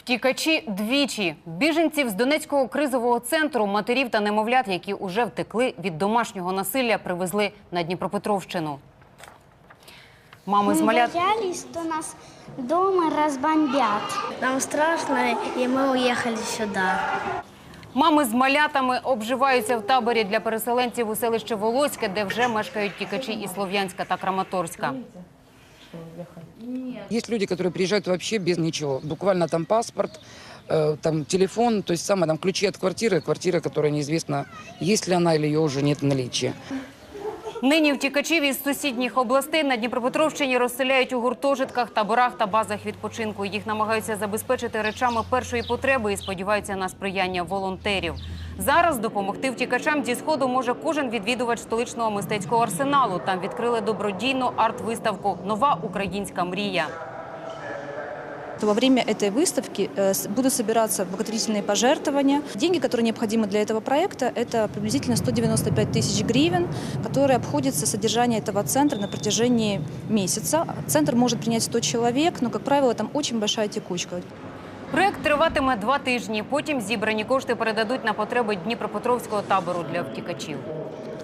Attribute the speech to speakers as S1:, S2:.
S1: Втікачі двічі. Біженців з Донецького кризового центру, матерів та немовлят, які уже втекли від домашнього насилля, привезли на Дніпропетровщину. Мами з малят...
S2: Мы боялись, что нас дома разбомбят. Нам страшно, и мы уехали сюда.
S1: Мами з малятами обживаються в таборі для переселенців у селище Волоське, де вже мешкають втікачі із Слов'янська та Краматорська.
S3: Есть люди, которые приезжают вообще без ничего. Буквально там паспорт, там телефон, то есть самое, там ключи от квартиры, которая неизвестно, есть ли она или ее уже нет в наличии.
S1: Нині втікачів із сусідніх областей на Дніпропетровщині розселяють у гуртожитках, таборах та базах відпочинку. Їх намагаються забезпечити речами першої потреби і сподіваються на сприяння волонтерів. Зараз допомогти втікачам зі Сходу може кожен відвідувач столичного мистецького арсеналу. Там відкрили добродійну арт-виставку «Нова українська мрія».
S4: Во время этой выставки будут собираться благотворительные пожертвования. Деньги, которые необходимы для этого проекта, это приблизительно 195 тысяч гривен, которые обходятся содержание этого центра на протяжении месяца. Центр может принять 100 человек, но, как правило, там очень большая текучка.
S1: Проєкт триватиме 2 тижні. Потім зібрані кошти передадуть на потреби Дніпропетровського табору для втікачів.